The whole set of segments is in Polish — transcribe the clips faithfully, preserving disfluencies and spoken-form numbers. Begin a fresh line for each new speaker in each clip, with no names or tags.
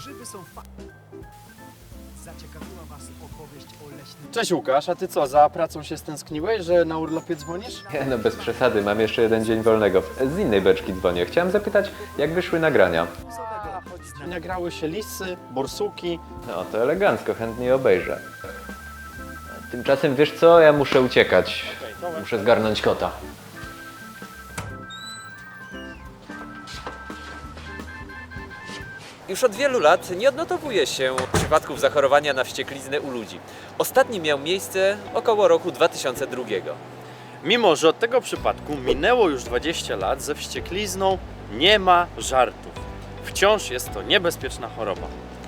Grzyby są fa... Zaciekawiła was opowieść o leśnym...
Cześć Łukasz, a ty co, za pracą się stęskniłeś, że na urlopie dzwonisz?
Nie no, bez przesady, mam jeszcze jeden dzień wolnego. Z innej beczki dzwonię. Chciałem zapytać, jak wyszły nagrania.
Nagrały się lisy, borsuki.
No to elegancko, chętnie obejrzę. Tymczasem wiesz co, ja muszę uciekać. Muszę zgarnąć kota.
Już od wielu lat nie odnotowuje się przypadków zachorowania na wściekliznę u ludzi. Ostatni miał miejsce około roku dwa tysiące drugiego.
Mimo że od tego przypadku minęło już dwadzieścia lat, ze wścieklizną nie ma żartów. Wciąż jest to niebezpieczna choroba.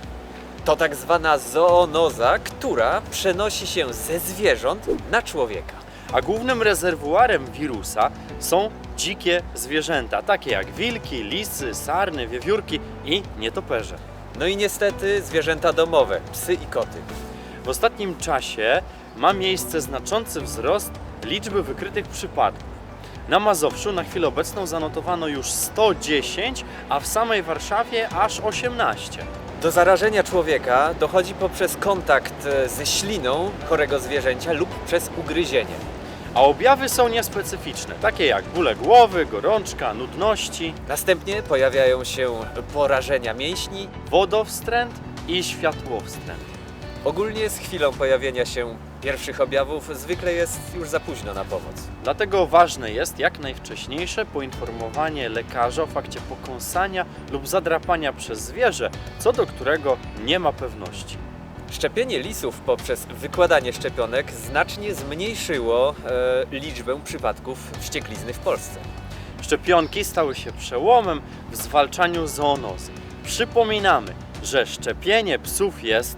To tak zwana zoonoza, która przenosi się ze zwierząt na człowieka.
A głównym rezerwuarem wirusa są dzikie zwierzęta, takie jak wilki, lisy, sarny, wiewiórki i nietoperze.
No i niestety zwierzęta domowe, psy i koty.
W ostatnim czasie ma miejsce znaczący wzrost liczby wykrytych przypadków. Na Mazowszu na chwilę obecną zanotowano już sto dziesięć, a w samej Warszawie aż osiemnaście.
Do zarażenia człowieka dochodzi poprzez kontakt ze śliną chorego zwierzęcia lub przez ugryzienie.
A objawy są niespecyficzne, takie jak bóle głowy, gorączka, nudności,
Następnie pojawiają się porażenia mięśni.
wodowstręt i światłowstręt.
Ogólnie z chwilą pojawienia się pierwszych objawów zwykle jest już za późno na pomoc.
Dlatego ważne jest jak najwcześniejsze poinformowanie lekarza o fakcie pokąsania lub zadrapania przez zwierzę, co do którego nie ma pewności.
Szczepienie lisów poprzez wykładanie szczepionek znacznie zmniejszyło e, liczbę przypadków wścieklizny w Polsce.
Szczepionki stały się przełomem w zwalczaniu zoonozy. Przypominamy, że szczepienie psów jest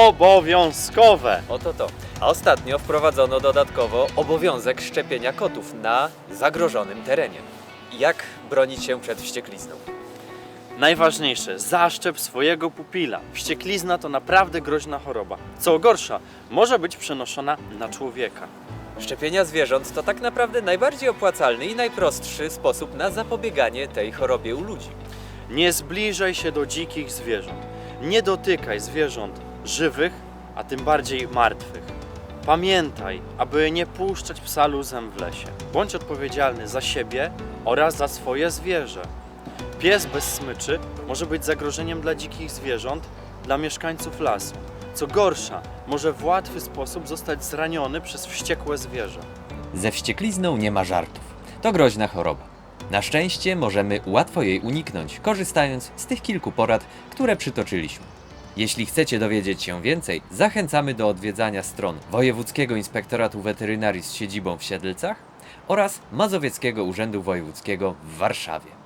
obowiązkowe.
Oto to. A ostatnio wprowadzono dodatkowo obowiązek szczepienia kotów na zagrożonym terenie. Jak bronić się przed wścieklizną?
Najważniejsze, zaszczep swojego pupila. Wścieklizna to naprawdę groźna choroba. Co gorsza, może być przenoszona na człowieka.
Szczepienia zwierząt to tak naprawdę najbardziej opłacalny i najprostszy sposób na zapobieganie tej chorobie u ludzi.
Nie zbliżaj się do dzikich zwierząt. Nie dotykaj zwierząt żywych, a tym bardziej martwych. Pamiętaj, aby nie puszczać psa luzem w lesie. Bądź odpowiedzialny za siebie oraz za swoje zwierzę. Pies bez smyczy może być zagrożeniem dla dzikich zwierząt, dla mieszkańców lasu. Co gorsza, może w łatwy sposób zostać zraniony przez wściekłe zwierzę.
Ze wścieklizną nie ma żartów. To groźna choroba. Na szczęście możemy łatwo jej uniknąć, korzystając z tych kilku porad, które przytoczyliśmy. Jeśli chcecie dowiedzieć się więcej, zachęcamy do odwiedzania stron Wojewódzkiego Inspektoratu Weterynarii z siedzibą w Siedlcach oraz Mazowieckiego Urzędu Wojewódzkiego w Warszawie.